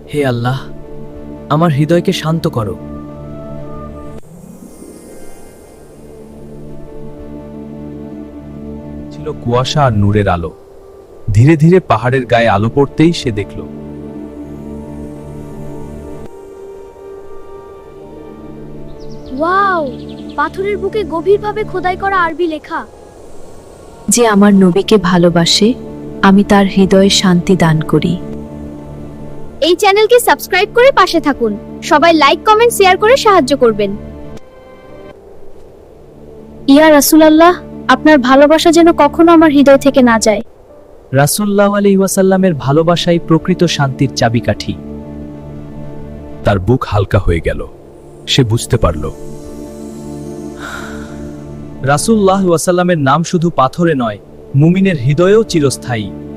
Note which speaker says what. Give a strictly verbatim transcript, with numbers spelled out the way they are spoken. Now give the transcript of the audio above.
Speaker 1: হে আল্লাহ, আমার হৃদয়কে শান্ত করো।
Speaker 2: ছিল কুয়াশা আর নূরের আলো। ধীরে ধীরে পাহাড়ের গায়ে আলো পড়তেই সে দেখল
Speaker 3: ওয়াও, পাথরের বুকে গভীরভাবে খোদাই করা আরবি লেখা।
Speaker 4: যে আমার নবীকে ভালোবাসে, আমি তার হৃদয়ে শান্তি দান করি।
Speaker 3: এই চ্যানেলকে সাবস্ক্রাইব করে পাশে থাকুন। সবাই লাইক, কমেন্ট, শেয়ার করে সাহায্য করবেন। ইয়া রাসূলুল্লাহ, আপনার ভালোবাসা যেন কখনো আমার হৃদয় থেকে না যায়।
Speaker 1: রাসূলুল্লাহ আলাইহি ওয়াসাল্লামের ভালোবাসাই প্রকৃত শান্তির চাবিকাঠি।
Speaker 2: তার বুক হালকা হয়ে গেল। সে বুঝতে পারল
Speaker 1: রাসূলুল্লাহ ওয়াসাল্লামের নাম শুধু পাথরে নয়, মুমিনের হৃদয়েও চিরস্থায়ী।